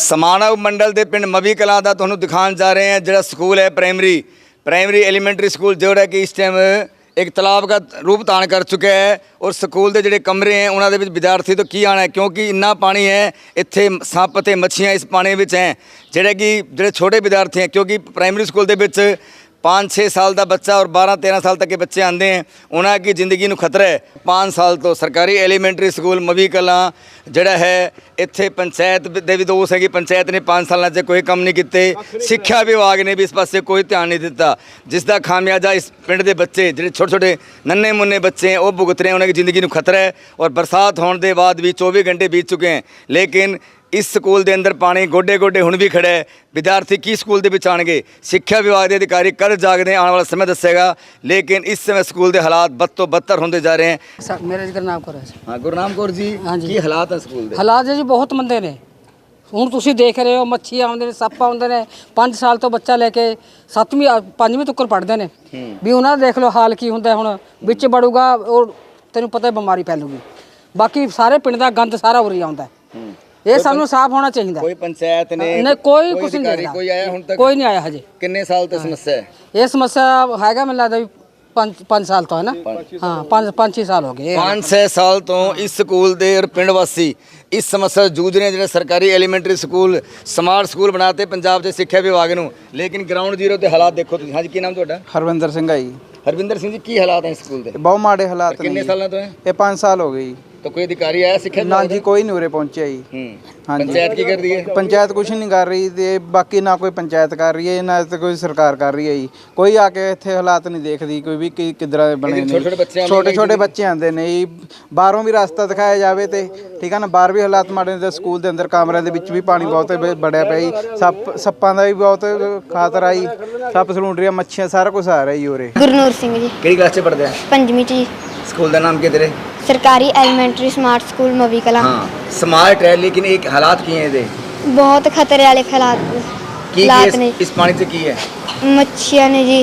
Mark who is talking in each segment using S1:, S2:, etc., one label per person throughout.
S1: समाणा उपमंडल के पिंड मवी कलां का तुहानूं दिखाने जा रहे हैं। जो स्कूल है प्राइमरी एलीमेंटरी स्कूल जोड़ा कि इस टाइम एक तालाब का रूप धारण कर चुका है। और स्कूल के जोड़े कमरे हैं उन्होंने विद्यार्थी तो की आना है, क्योंकि इन्ना पानी है इत्थे सप ते मच्छियाँ इस पानी में हैं। जोड़े कि जोड़े छोटे विद्यार्थी हैं, क्योंकि प्राइमरी स्कूल के 5-6 साल का बच्चा और 12-13 साल तक के बच्चे आते हैं, उन्होंने की जिंदगी में खतरा है। 5 साल तो सरकारी एलीमेंटरी स्कूल मवी कलां जोड़ा है इत्थे पंचायत के भी दोष है कि पंचायत ने 5 सालों से कोई काम नहीं किए, शिक्षा विभाग ने भी इस पासे कोई ध्यान नहीं दिता, जिसका खामियाजा इस पिंड के बच्चे जो छोटे छोटे नन्हे मुन्ने बच्चे हैं वो भुगत रहे हैं। उन्होंने जिंदगी में खतरा है। और बरसात होने के बाद भी 24 घंटे बीत चुके हैं, लेकिन इस स्कूल के अंदर पानी गोडे गोडे हुण भी खड़ा है। विद्यार्थी की स्कूल के आएंगे, शिक्षा विभाग के अधिकारी कद जागते आने वाला समय दसेगा, लेकिन इस समय स्कूल के हालात बद तो बदतर होंगे जा रहे हैं।
S2: मेरा गुरनाम कौर है।
S1: हाँ गुरनाम कौर जी, की हालात है स्कूल के?
S2: हालात जी बहुत मंदे ने। ਹੁਣ ਤੁਸੀਂ ਦੇਖ ਰਹੇ ਹੋ ਮੱਛੀ ਆਉਂਦੇ ਨੇ, ਸੱਪ ਆਉਂਦੇ ਨੇ। 5 ਸਾਲ ਤੋਂ ਬੱਚਾ ਲੈ ਕੇ 7ਵੀਂ 5ਵੀਂ ਤੱਕ ਪੜ੍ਹਦੇ ਨੇ ਵੀ ਉਹਨਾਂ ਦਾ ਦੇਖ ਲਓ ਹਾਲ ਕੀ ਹੁੰਦਾ। ਹੁਣ ਵਿੱਚ ਵੜੂਗਾ ਔਰ ਤੈਨੂੰ ਪਤਾ ਬਿਮਾਰੀ ਫੈਲੂਗੀ। ਬਾਕੀ ਸਾਰੇ ਪਿੰਡ ਦਾ ਗੰਦ ਸਾਰਾ ਉਰੀ ਆਉਂਦਾ। ਇਹ ਸਾਨੂੰ ਸਾਫ਼ ਹੋਣਾ ਚਾਹੀਦਾ।
S1: ਕੋਈ ਪੰਚਾਇਤ ਨੇ
S2: ਨਹੀਂ ਕੋਈ ਕੁਝ ਨਹੀਂ ਦੇਖਦਾ।
S1: ਕੋਈ ਆਇਆ ਹੁਣ ਤੱਕ?
S2: ਕੋਈ ਨਹੀਂ ਆਇਆ ਹਜੇ।
S1: ਕਿੰਨੇ ਸਾਲ ਤੋਂ ਸਮੱਸਿਆ ਹੈ?
S2: ਇਹ ਸਮੱਸਿਆ ਹੈਗਾ ਮੈਨੂੰ ਲੱਗਦਾ ਵੀ 5 साल तो है ना। हाँ 5-6 साल हो गए।
S1: 5-6 साल तो इस स्कूल के और पिंड वासी इस समस्या से जूझ रहे हैं। जो सरकारी एलीमेंटरी स्कूल स्मार्ट स्कूल बनाते पंजाब के सिक्ख्या विभाग नूं, लेकिन ग्राउंड जीरो के हालात देखो तुसीं। हाँ जी, की नाम तुहाडा?
S3: हरविंदर सिंह है जी।
S1: हरविंदर सिंह जी, की हालात है स्कूल के?
S3: बहुत माड़े हालात।
S1: किन्ने सालों तो है?
S3: ये 5 साल हो गए।
S1: तो कोई अधिकारी आया सिक्ख्या
S3: ना जी, कोई नहीं उरे पहुंचे जी। हाँ जी।
S1: पंचायत की कर रही है?
S3: पंचायत कुछ नहीं कर रही ते बाकी ना कोई पंचायत कर रही है ना तो कोई सरकार कर रही है जी। कोई आके इत्थे हालात नहीं देखती कोई भी किधर बने। छोटे छोटे बच्चे आते ने जी। बाहरों भी रास्ता दिखाया जाए तो ठीक है ना। बाहर भी हालात माड़े ने। स्कूल के अंदर कमरे के भी पानी बहुत बढ़िया पिया जी। सप्पां का भी बहुत खातरा जी। सप सलूंडरियां मच्छियां सारा कुछ आ रहा जी उरे।
S4: गुरनूर सिंह जी।
S1: किहड़ी क्लास च पढ़दे?
S4: 5वीं जी।
S1: स्कूल का नाम क्या तेरे?
S4: सरकारी elementary smart school Mavi Kalan.
S1: हाँ स्मार्ट है, लेकिन एक हालात की हैं
S4: बहुत खतरे वाले हालात ने।
S1: इस पानी से की है?
S4: मच्छियां ने जी,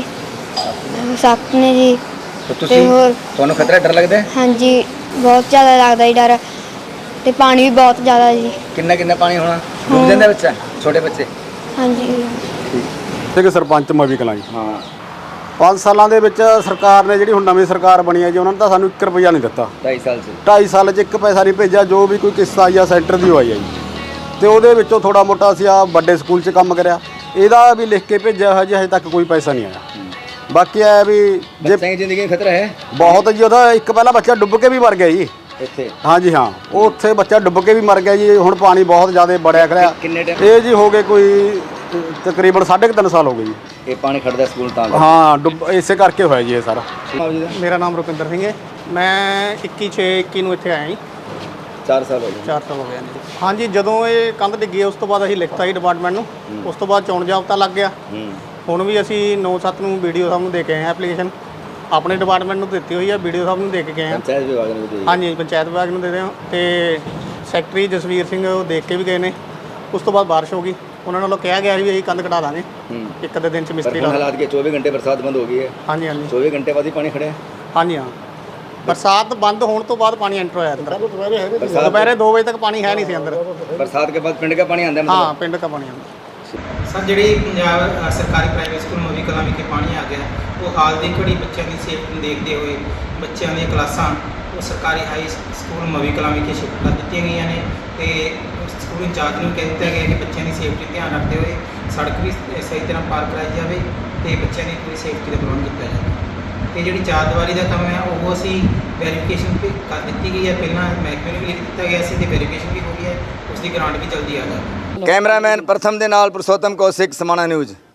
S4: सप ने जी।
S1: तो ਤੁਹਾਨੂੰ ਖਤਰਾ ਡਰ ਲੱਗਦਾ ਹੈ?
S4: हाँ जी बहुत ज़्यादा लगता जी डर। ते पानी भी बहुत ज़्यादा जी।
S1: कितना पानी होना? डूब जाता बच्चा, छोटे बच्चे?
S4: हाँ जी।
S5: ਠੀਕ ਸਰਪੰਚ ਮਵੀ ਕਲਾਂ ਜੀ।
S1: ਹਾਂ
S5: 5 ਸਾਲਾਂ ਦੇ ਵਿੱਚ ਸਰਕਾਰ ਨੇ ਜਿਹੜੀ ਹੁਣ ਨਵੀਂ ਸਰਕਾਰ ਬਣੀ ਹੈ ਜੀ, ਉਹਨਾਂ ਨੇ ਤਾਂ ਸਾਨੂੰ 1 ਰੁਪਈਆ ਨਹੀਂ ਦਿੱਤਾ।
S1: 2.5 ਸਾਲ ਚ
S5: 2.5 ਸਾਲ 'ਚ 1 ਪੈਸਾ ਨਹੀਂ ਭੇਜਿਆ। ਜੋ ਵੀ ਕੋਈ ਕਿਸ਼ਤ ਆਈ ਆ ਸੈਂਟਰ ਦੀ ਹੋਈ ਆ ਜੀ, ਤੇ ਉਹਦੇ ਵਿੱਚੋਂ ਥੋੜਾ ਮੋਟਾ ਅਸੀਂ ਆ ਵੱਡੇ ਸਕੂਲ 'ਚ ਕੰਮ ਕਰਿਆ। ਇਹਦਾ ਵੀ ਲਿਖ ਕੇ ਭੇਜਿਆ ਹਜੇ ਤੱਕ ਕੋਈ ਪੈਸਾ ਨਹੀਂ ਆਇਆ। ਬਾਕੀ ਇਹ ਵੀ ਜੇ
S1: ਬੱਚਿਆਂ ਦੀ ਜ਼ਿੰਦਗੀ ਖਤਰਾ ਹੈ
S5: ਬਹੁਤ ਜੀ। ਉਹਦਾ ਇੱਕ ਪਹਿਲਾਂ ਬੱਚਾ ਡੁੱਬ ਕੇ ਵੀ ਮਰ ਗਿਆ ਜੀ
S1: ਇੱਥੇ।
S5: ਹਾਂ ਜੀ ਹਾਂ, ਉਹ ਉੱਥੇ ਬੱਚਾ ਡੁੱਬ ਕੇ ਵੀ ਮਰ ਗਿਆ ਜੀ। ਹੁਣ ਪਾਣੀ ਬਹੁਤ ਜ਼ਿਆਦਾ ਬੜਿਆ ਖੜਿਆ।
S1: ਕਿੰਨੇ ਟਾਈਮ?
S5: ਇਹ ਜੀ ਹੋ ਗਏ ਕੋਈ ਤਕਰੀਬਨ 3.5 ਸਾਲ ਹੋ ਗਏ ਜੀ।
S1: ਇਹ ਪਾਣੀ ਖੜਦਾ ਸਕੂਲ ਤਾਂ?
S5: ਹਾਂ ਡੁੱਬ ਇਸੇ ਕਰਕੇ ਹੋਇਆ ਜੀ ਇਹ ਸਾਰਾ।
S6: ਮੇਰਾ ਨਾਮ ਰੁਪਿੰਦਰ ਸਿੰਘ ਹੈ। ਮੈਂ 21/6/21 ਨੂੰ ਇੱਥੇ ਆਇਆ ਜੀ।
S1: 4 ਸਾਲ ਹੋ ਗਏ।
S6: 4 ਸਾਲ ਹੋ ਗਏ ਜੀ। ਹਾਂਜੀ, ਜਦੋਂ ਇਹ ਕੰਧ ਡਿੱਗੀ ਉਸ ਤੋਂ ਬਾਅਦ ਅਸੀਂ ਲਿਖਤਾ ਜੀ ਡਿਪਾਰਟਮੈਂਟ ਨੂੰ। ਉਸ ਤੋਂ ਬਾਅਦ ਚੋਣ ਜਾਬਤਾ ਲੱਗ ਗਿਆ। ਹੁਣ ਵੀ ਅਸੀਂ 9/7 ਨੂੰ ਵੀਡੀਓ ਸਾਹਿਬ ਨੂੰ ਦੇ ਕੇ ਆਏ ਹਾਂ ਐਪਲੀਕੇਸ਼ਨ। ਆਪਣੇ ਡਿਪਾਰਟਮੈਂਟ ਨੂੰ ਦਿੱਤੀ ਹੋਈ ਹੈ, ਵੀਡੀਓ ਸਾਹਿਬ ਨੂੰ ਦੇ ਕੇ ਗਏ ਹਾਂ।
S1: ਪੰਚਾਇਤ ਵਿਭਾਗ ਨੂੰ ਦਿੱਤੀ?
S6: ਹਾਂਜੀ ਪੰਚਾਇਤ ਵਿਭਾਗ ਨੂੰ ਦੇ ਰਹੇ ਹਾਂ। ਤੇ ਸੈਕਟਰੀ ਜਸਵੀਰ ਸਿੰਘ ਉਹ ਦੇਖ ਕੇ ਵੀ ਗਏ ਨੇ। ਉਸ ਤੋਂ ਬਾਅਦ ਬਾਰਿਸ਼ ਹੋ ਗਈ, ਉਹਨਾਂ ਨਾਲੋਂ ਕਿਹਾ ਗਿਆ ਵੀ ਅਸੀਂ ਕੰਧ ਕਢਾ ਦਾਂਗੇ ਇੱਕ ਅੱਧੇ ਦਿਨ ਚ ਮਿਸਤਰੀ ਲਾ।
S1: ਹਾਲਾਤ ਕੇ 24 ਘੰਟੇ ਬਰਸਾਤ ਬੰਦ ਹੋ ਗਈ ਹੈ?
S6: ਹਾਂਜੀ ਹਾਂਜੀ
S1: 24 ਘੰਟੇ ਬਾਅਦ ਹੀ ਪਾਣੀ ਖੜਿਆ?
S6: ਹਾਂਜੀ ਹਾਂ, बरसात बंद होने तो बाद पानी एंटर होया अंदर। दोपहर 2 बजे तक पानी है नहीं सी अंदर।
S1: बरसात के बाद पिंड का पानी आंदा?
S6: हाँ पिंड का पानी आंदा।
S7: सर जी पंजाब सरकारी प्राइवेट स्कूल मवी कलां विखे पानी आ गया, वो हाल की घड़ी बच्चों की सेफ्टी ਨੂੰ देखते हुए बच्चों दी क्लासां वो सरकारी हाई स्कूल मवी कलां विखे शिफ्ट कर दित्तियां गईयां ने। ते स्कूल इंचार्ज ਨੂੰ कह दिता गया कि बच्चों की सेफ्टी ध्यान रखते हुए सड़क भी सही तरह पार कराई जाए तो बच्चों की पूरी सेफ्टी का प्रबंध किया जाए। तो जी 4 ਦੀਵਾਰੀ का काम है वो असी वेरीफिकेशन कर दी गई है। पहला महकमे में भी लिख दिता गया सी, वेरीफिकेशन भी हो गई है, उसकी ग्रांट भी जल्दी आ जाए।
S1: कैमरामैन प्रथम के नाल पुरुषोत्तम कौशिक, समाणा न्यूज़।